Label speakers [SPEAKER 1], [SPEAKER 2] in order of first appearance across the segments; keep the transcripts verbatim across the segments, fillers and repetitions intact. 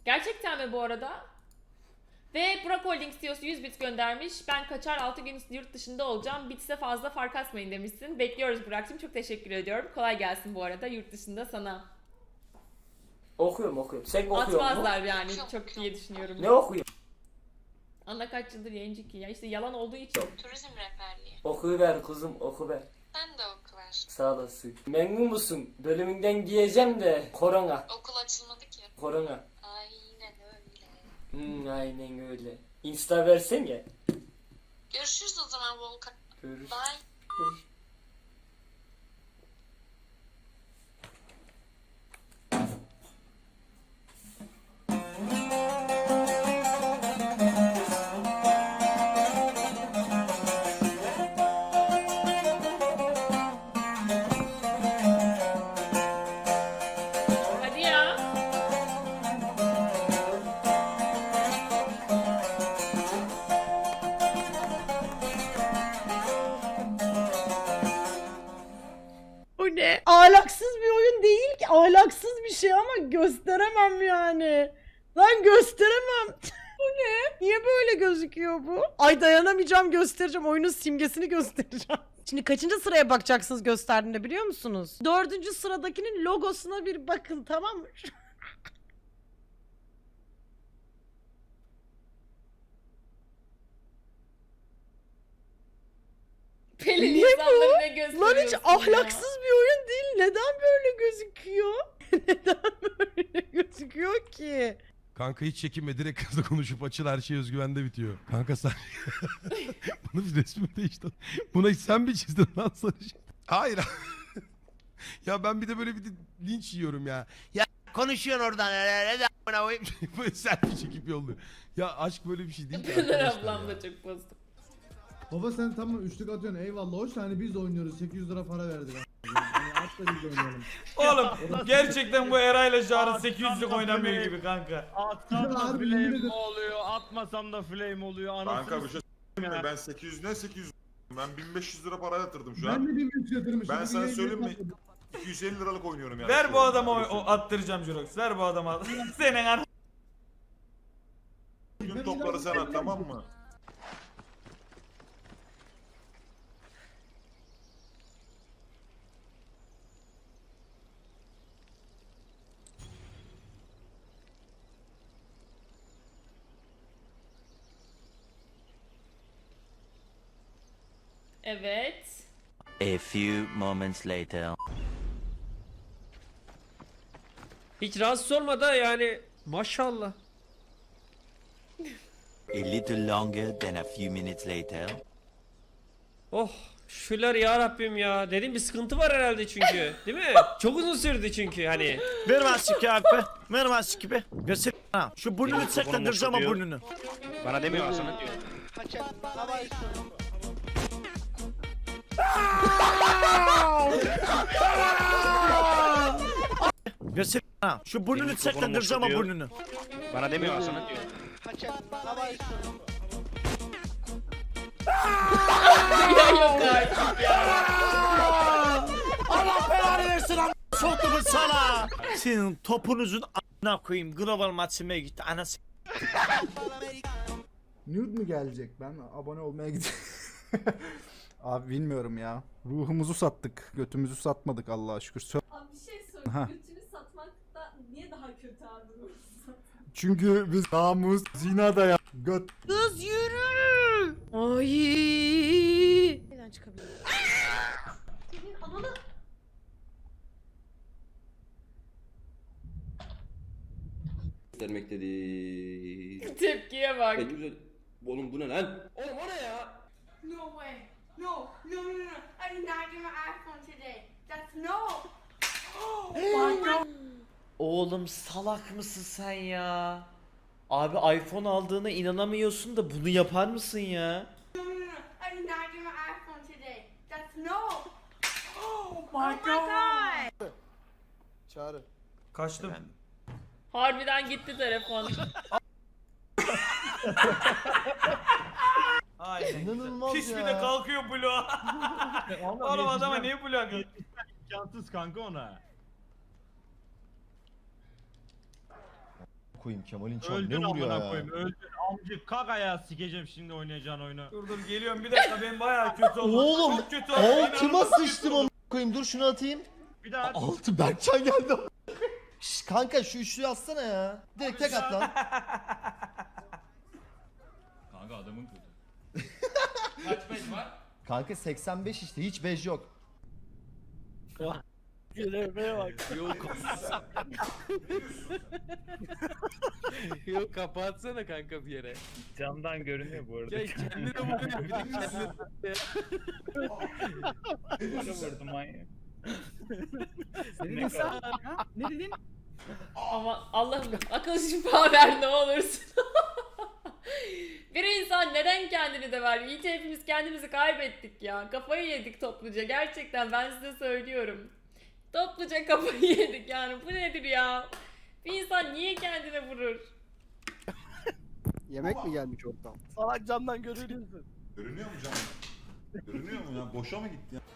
[SPEAKER 1] Gerçekten mi bu arada? Ve Burak Holding C E O'su yüz bit göndermiş. Ben kaçar altı gün yurt dışında olacağım. Bitse fazla fark atmayın demişsin. Bekliyoruz Burak'cığım. Çok teşekkür ediyorum. Kolay gelsin bu arada yurt dışında sana.
[SPEAKER 2] Okuyorum okuyorum. Sen okuyor musun?
[SPEAKER 1] Atmazlar yani çok diye düşünüyorum.
[SPEAKER 2] Ne okuyor?
[SPEAKER 1] Ana kaç yıldır yayıncı ki ya işte yalan olduğu için.
[SPEAKER 3] Turizm rehberliği.
[SPEAKER 2] Okuver kızım okuver.
[SPEAKER 3] Sen de oku ver.
[SPEAKER 2] Sağ olasın. Memnun musun? Bölümünden giyeceğim de korona.
[SPEAKER 3] Okul açılmadı ki.
[SPEAKER 2] Korona.
[SPEAKER 3] Aynen öyle.
[SPEAKER 2] Hmm, aynen öyle. Insta versene.
[SPEAKER 3] Görüşürüz o zaman Volkan.
[SPEAKER 2] Görüş.
[SPEAKER 3] Bye.
[SPEAKER 2] Görüş.
[SPEAKER 1] Hadi ya.
[SPEAKER 4] O ne? Ahlaksız bir oyun değil ki. Ahlaksız bir şey ama gösteremem yani. Lan gösteremem. Bu ne? Niye böyle gözüküyor bu? Ay dayanamayacağım göstereceğim. Oyunun simgesini göstereceğim. Şimdi kaçıncı sıraya bakacaksınız gösterdiğinde biliyor musunuz? Dördüncü sıradakinin logosuna bir bakın tamam mı?
[SPEAKER 1] Pelin
[SPEAKER 4] Niye
[SPEAKER 1] insanları ne
[SPEAKER 4] Lan
[SPEAKER 1] gösteriyorsun
[SPEAKER 4] hiç
[SPEAKER 1] ya?
[SPEAKER 4] ahlaksız bir oyun değil. Neden böyle gözüküyor? Neden böyle gözüküyor ki?
[SPEAKER 5] Kanka hiç çekinme, direkt kızla konuşup açıl, her şey özgüvende bitiyor. Kanka sen... Bunu bir resmi değişti. Buna hiç sen mi çizdin lan sarışın? Hayır. Ya ben bir de böyle bir de linç yiyorum ya. Ya konuşuyorsun oradan. Böyle selfie çekip yolluyor. Ya aşk böyle bir şey değil ki
[SPEAKER 1] Pınar
[SPEAKER 5] arkadaşlar
[SPEAKER 1] ablam
[SPEAKER 5] ya.
[SPEAKER 1] da çok bozdu.
[SPEAKER 6] Baba sen tamam üçlük atıyorsun eyvallah hoş hani biz de oynuyoruz sekiz yüz lira para verdik. Yani at da biz de oynayalım.
[SPEAKER 7] Oğlum gerçekten bu Eray'la Çağrı sekiz yüzlük oynamıyor
[SPEAKER 8] flame.
[SPEAKER 7] gibi kanka.
[SPEAKER 8] Atsam da
[SPEAKER 6] Harbi yemin
[SPEAKER 8] flame
[SPEAKER 6] ederim.
[SPEAKER 8] oluyor, atmasam da flame oluyor. Anasını
[SPEAKER 9] Kanka bir şey
[SPEAKER 8] s**eyim ya.
[SPEAKER 9] ben sekiz yüz ne sekiz yüz ben bin beş yüz lira para yatırdım şu
[SPEAKER 6] Ben
[SPEAKER 9] an.
[SPEAKER 6] de bir üç yatırmışım.
[SPEAKER 9] Ben
[SPEAKER 6] bir
[SPEAKER 9] sana
[SPEAKER 6] yayın
[SPEAKER 9] söyleyeyim mi?
[SPEAKER 6] yapmadım.
[SPEAKER 9] iki yüz elli liralık oynuyorum yani.
[SPEAKER 7] Ver
[SPEAKER 9] şu
[SPEAKER 7] bu
[SPEAKER 9] an.
[SPEAKER 7] adama o,
[SPEAKER 9] Öyle
[SPEAKER 7] o
[SPEAKER 9] söyleyeyim.
[SPEAKER 7] attıracağım Jurox. Ver bu adama. Senin an.
[SPEAKER 9] Gün topları sen at tamam mı?
[SPEAKER 1] Evet.
[SPEAKER 10] A few moments later.
[SPEAKER 11] Hiç rahatsız olma da yani maşallah.
[SPEAKER 10] A little longer than a few minutes later.
[SPEAKER 11] Oh şükürler ya Rabbim ya. Dedim bir sıkıntı var herhalde çünkü. Değil mi? Çok uzun sürdü çünkü hani.
[SPEAKER 8] Ver maske abi. Ver maske be. Göster. Ha, şu burnunu çeklendireceğim ama burnunu.
[SPEAKER 11] Bana demiyor aslında diyor.
[SPEAKER 8] Göster. Ha, şu burnunu çeklendireceğim ama burnunu.
[SPEAKER 11] Bana demiyor aslında diyor.
[SPEAKER 1] Ya yok artık ya.
[SPEAKER 8] Allah belanı versin am. Soktumun sana. Senin topunuzun a**ına koyayım. Global maçıma gitti. Anası.
[SPEAKER 6] Nude mu gelecek? Ben abone olmaya gidiyorum. Abi bilmiyorum ya. Ruhumuzu sattık. Götümüzü satmadık Allah'a şükür. Sö-
[SPEAKER 12] Abi bir şey sorayım.
[SPEAKER 6] Ha.
[SPEAKER 12] Götünü satmak da niye daha kötü abi ruhunu
[SPEAKER 6] Çünkü biz namus, zina da ya. Göt.
[SPEAKER 4] Kız yürü. Ay. Neden çıkabilir?
[SPEAKER 12] Senin ananı...
[SPEAKER 13] Vermek dedi.
[SPEAKER 1] Tepkiye bak.
[SPEAKER 13] Oğlum bu ne lan? Oğlum o ne ya?
[SPEAKER 12] No way. No. No, no, no, no. I did not get my iPhone today. That's no.
[SPEAKER 8] Oğlum salak mısın sen ya? Abi iPhone aldığına inanamıyorsun da bunu yapar mısın ya?
[SPEAKER 12] No, no, no, no. I did not get my iPhone today. That's no. Oh my god.
[SPEAKER 6] Çağrı.
[SPEAKER 7] Kaçtım.
[SPEAKER 1] Harbiden gitti telefon.
[SPEAKER 7] Aynen.
[SPEAKER 6] İnanılmaz
[SPEAKER 7] Pis
[SPEAKER 6] ya.
[SPEAKER 7] bir de kalkıyor bloğa. Oğlum adama niye bloğa kalkıyor?
[SPEAKER 8] İmkansız kanka ona.
[SPEAKER 14] koyayım Kemal'in çarı
[SPEAKER 7] Öldün
[SPEAKER 14] ne vuruyor
[SPEAKER 7] amına
[SPEAKER 14] ya?
[SPEAKER 7] koyayım. Öldün. Amcık kalk ayağa sikeceğim şimdi oynayacağın oyunu. Dur dur geliyorum bir dakika ben bayağı kötü oldum.
[SPEAKER 14] Oğlum
[SPEAKER 7] Çok kötü oldum.
[SPEAKER 14] altıma
[SPEAKER 7] İnanılmaz kötü
[SPEAKER 14] sıçtım
[SPEAKER 7] oldum.
[SPEAKER 14] amına koyayım. Dur şunu atayım.
[SPEAKER 7] Bir daha.
[SPEAKER 14] Altı Berkcan geldi. Şş, kanka şu üçlüyü atsana ya. Direkt tek at lan.
[SPEAKER 7] Kanka adamın kötü.
[SPEAKER 11] Kaç beş var?
[SPEAKER 14] Kanka seksen beş işte hiç bej yok.
[SPEAKER 2] Göreveye bak.
[SPEAKER 13] Yok.
[SPEAKER 2] Yok kapatsana kanka bir yere.
[SPEAKER 7] Camdan görünüyor bu arada.
[SPEAKER 2] Ya kendine vuruyor bir de kendine.
[SPEAKER 7] Bana vurdu manyak.
[SPEAKER 2] Ne dedin sen? Ne dedin?
[SPEAKER 1] Ama Allah'ım akıl şifa ver ne olursun. Bir insan neden kendini de ver? İyi ki hepimiz kendimizi kaybettik ya. Kafayı yedik topluca. Gerçekten ben size söylüyorum. Topluca kafayı yedik yani. Bu nedir ya? Bir insan niye kendine vurur?
[SPEAKER 2] Yemek mi gelmiş oradan? Salak camdan görünüyorsun.
[SPEAKER 9] Görünüyor mu canım? Görünüyor mu ya? Boşa mı gitti ya?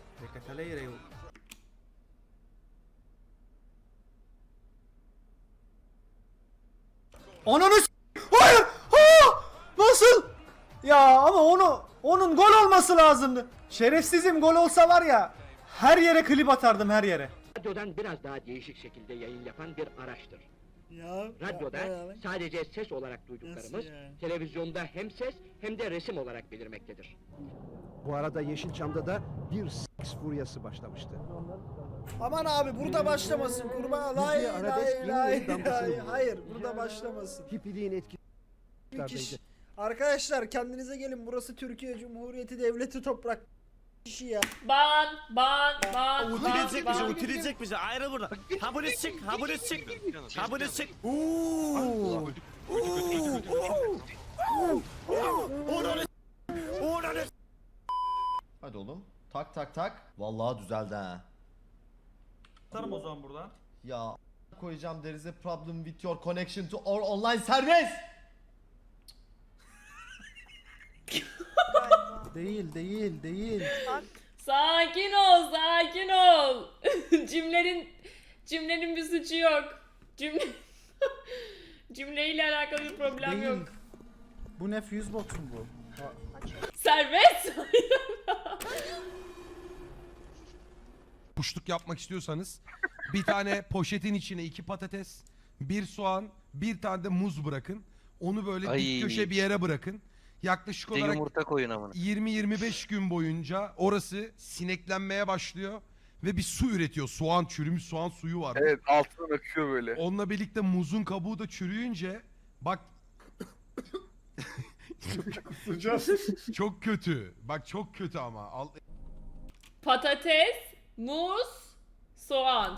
[SPEAKER 6] Ananı s- Hayır! Ha! Nasıl? Ya ama onu onun gol olması lazımdı. Şerefsizim gol olsa var ya her yere klip atardım her yere.
[SPEAKER 2] Radyodan biraz daha değişik şekilde yayın yapan bir araçtır.
[SPEAKER 4] Ya.
[SPEAKER 2] Radyoda sadece ses olarak duyduklarımız, televizyonda hem ses hem de resim olarak belirmektedir. Bu arada Yeşilçam'da da bir seks furyası başlamıştı.
[SPEAKER 4] Aman abi burada başlamasın kurban. Lay
[SPEAKER 2] Müziğe
[SPEAKER 4] lay
[SPEAKER 2] arabesk yeni
[SPEAKER 4] lay
[SPEAKER 2] yeni damgasını
[SPEAKER 4] lay.
[SPEAKER 2] vurdu.
[SPEAKER 4] Hayır burada başlamasın.
[SPEAKER 2] Hipiliğin etkisi.
[SPEAKER 4] Bir kişi. Arkadaşlar kendinize gelin, burası Türkiye Cumhuriyeti Devleti toprak kişi ya.
[SPEAKER 1] Ban, ban, ban,
[SPEAKER 2] Utilecek
[SPEAKER 1] ban,
[SPEAKER 2] bizi,
[SPEAKER 1] ban.
[SPEAKER 2] utilecek bizi. Ayrı burada. Ha bunu çık, ha bunu çık. Ha bunu çık.
[SPEAKER 14] Hadi oğlum. Tak tak tak. Vallahi düzeldi ha.
[SPEAKER 7] Atarım o zaman buradan.
[SPEAKER 14] Ya koyacağım there is a problem with your connection to our online service.
[SPEAKER 6] Değil değil değil.
[SPEAKER 1] Sakin ol, sakin ol. Cümlenin cümlenin bir suçu yok. Cümle cümleyle alakalı bir problem
[SPEAKER 6] Değil.
[SPEAKER 1] yok.
[SPEAKER 6] Bu ne fuse box mu bu?
[SPEAKER 1] Serbest.
[SPEAKER 5] Kuşluk yapmak istiyorsanız bir tane poşetin içine iki patates, bir soğan, bir tane de muz bırakın. Onu böyle
[SPEAKER 13] Ay.
[SPEAKER 5] dik köşe bir yere bırakın. Yaklaşık olarak
[SPEAKER 13] Yumurta koyun amına.
[SPEAKER 5] yirmi yirmi beş gün boyunca orası sineklenmeye başlıyor ve bir su üretiyor. Soğan, çürümüş soğan suyu var.
[SPEAKER 13] Evet altından akıyor böyle.
[SPEAKER 5] Onunla birlikte muzun kabuğu da çürüyünce bak çok kötü. Bak çok kötü ama. Al,
[SPEAKER 1] Patates, muz, soğan.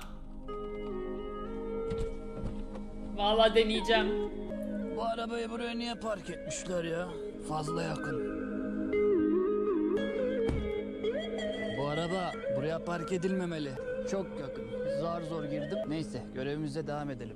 [SPEAKER 1] Vallahi deneyeceğim.
[SPEAKER 2] Bu arabayı buraya niye park etmişler ya? Fazla yakın. Bu araba buraya park edilmemeli. Çok yakın. Zar zor girdim. Neyse görevimize devam edelim.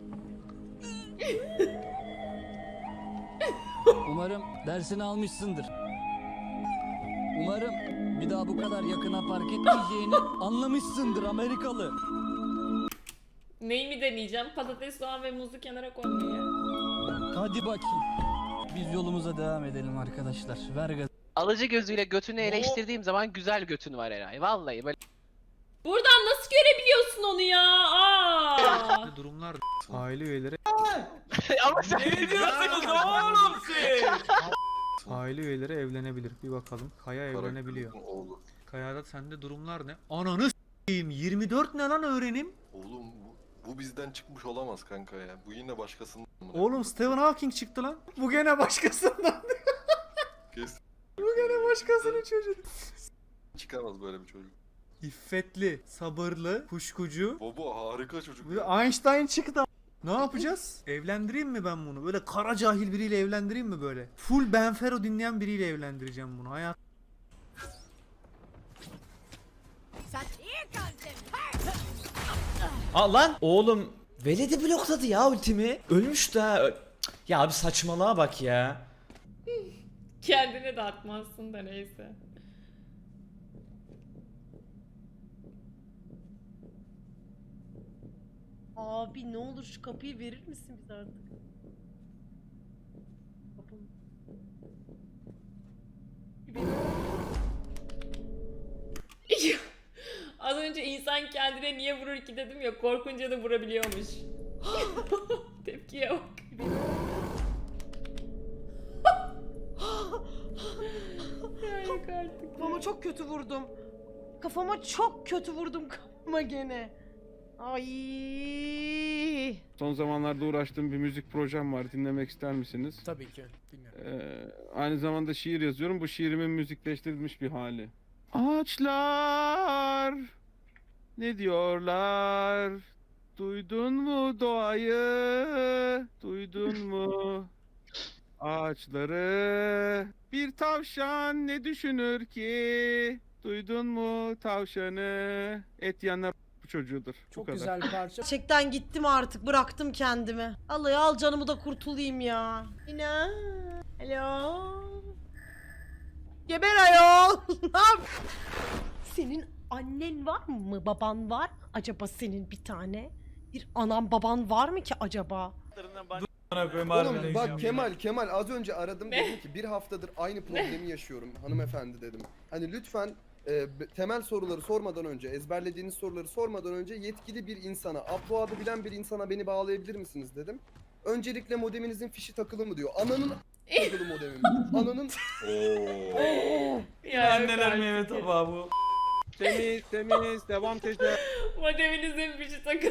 [SPEAKER 2] Umarım dersini almışsındır. Umarım bir daha bu kadar yakına park etmeyeceğini anlamışsındır Amerikalı.
[SPEAKER 1] Neyi mi deneyeceğim? Patates, soğan ve muzu kenara koymayı.
[SPEAKER 2] Hadi bakayım. Biz yolumuza devam edelim arkadaşlar. Ver gaz.
[SPEAKER 13] Alıcı gözüyle götünü eleştirdiğim zaman güzel götün var Eray. Vallahi böyle.
[SPEAKER 1] Buradan nasıl görebiliyorsun onu ya? Aa!
[SPEAKER 7] Durumlar.
[SPEAKER 6] Aile üyeleri
[SPEAKER 13] Ama sen
[SPEAKER 7] Ne diyorsunuz oğlum siz?
[SPEAKER 6] aile üyeleri evlenebilir. Bir bakalım. Kaya evlenebiliyor. Kaya'da sende durumlar ne? Ananı s**eyim. yirmi dört ne lan öğrenim?
[SPEAKER 9] Oğlum bu, bu bizden çıkmış olamaz kanka ya. Bu yine başkasının.
[SPEAKER 6] Oğlum Stephen Hawking çıktı lan. Bu gene başkasından.
[SPEAKER 9] Kes.
[SPEAKER 6] Bu gene başkasının çocuğu.
[SPEAKER 9] Çıkamaz böyle bir çocuk.
[SPEAKER 6] İffetli, sabırlı, kuşkucu.
[SPEAKER 9] Baba harika çocuk.
[SPEAKER 6] Bir Einstein çıktı. Ne yapacağız? Evlendireyim mi ben bunu? Böyle kara cahil biriyle evlendireyim mi böyle? Full Benfero dinleyen biriyle evlendireceğim bunu. Hayat.
[SPEAKER 8] Aa lan oğlum Veledi blokladı ya ultimi. Ölmüş de. Ö- Ya abi saçmalığa bak ya.
[SPEAKER 1] Kendine de atmazsın da neyse.
[SPEAKER 4] Abi ne olur şu kapıyı verir misin bize artık? Kapım.
[SPEAKER 1] Az önce insan kendine niye vurur ki dedim ya, korkunca da vurabiliyormuş. Tepkiye bak. Ya yok artık.
[SPEAKER 4] Kafama çok kötü vurdum. Kafama çok kötü vurdum kafama gene. Ay.
[SPEAKER 15] Son zamanlarda uğraştığım bir müzik projem var. Dinlemek ister misiniz?
[SPEAKER 6] Tabii ki. Dinliyorum.
[SPEAKER 15] Ee, aynı zamanda şiir yazıyorum. Bu şiirimin müzikleştirilmiş bir hali. Ağaçlar ne diyorlar? Duydun mu doğayı? Duydun mu ağaçları? Bir tavşan ne düşünür ki? Duydun mu tavşanı? Et yanar bu çocuğudur. Bu
[SPEAKER 6] Çok
[SPEAKER 15] kadar.
[SPEAKER 6] güzel bir parça.
[SPEAKER 4] Gerçekten gittim artık, bıraktım kendimi. Allah al canımı da kurtulayım ya. İnan. Alo. Geber ayol. Ne yap? Senin annen var mı? Baban var mı? Acaba senin bir tane? Bir anan baban var mı ki acaba?
[SPEAKER 7] Oğlum
[SPEAKER 14] Bak Kemal Kemal az önce aradım dedim ki bir haftadır aynı problemi yaşıyorum hanımefendi dedim. Hani lütfen e, b- temel soruları sormadan önce ezberlediğiniz soruları sormadan önce yetkili bir insana upload'ı bilen bir insana beni bağlayabilir misiniz dedim. Öncelikle modeminizin fişi takılı mı diyor. Ananın takılı modemim. Ananın
[SPEAKER 1] Ya yok
[SPEAKER 7] Anneler
[SPEAKER 1] artık.
[SPEAKER 7] meyve tabağı bu.
[SPEAKER 15] Temiz temiz devam teyze.
[SPEAKER 1] Modeminizin bir şey takın.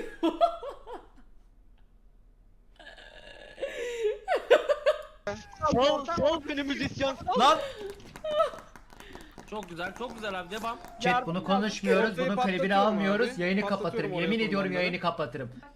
[SPEAKER 2] Sol, sol beni müzisyen.
[SPEAKER 7] Lan! Çok güzel, çok güzel abi, devam.
[SPEAKER 15] Chat bunu konuşmuyoruz.
[SPEAKER 14] Bunun klibini almıyoruz.
[SPEAKER 15] Yayını kapatırım. Yemin ediyorum yayını
[SPEAKER 14] kapatırım.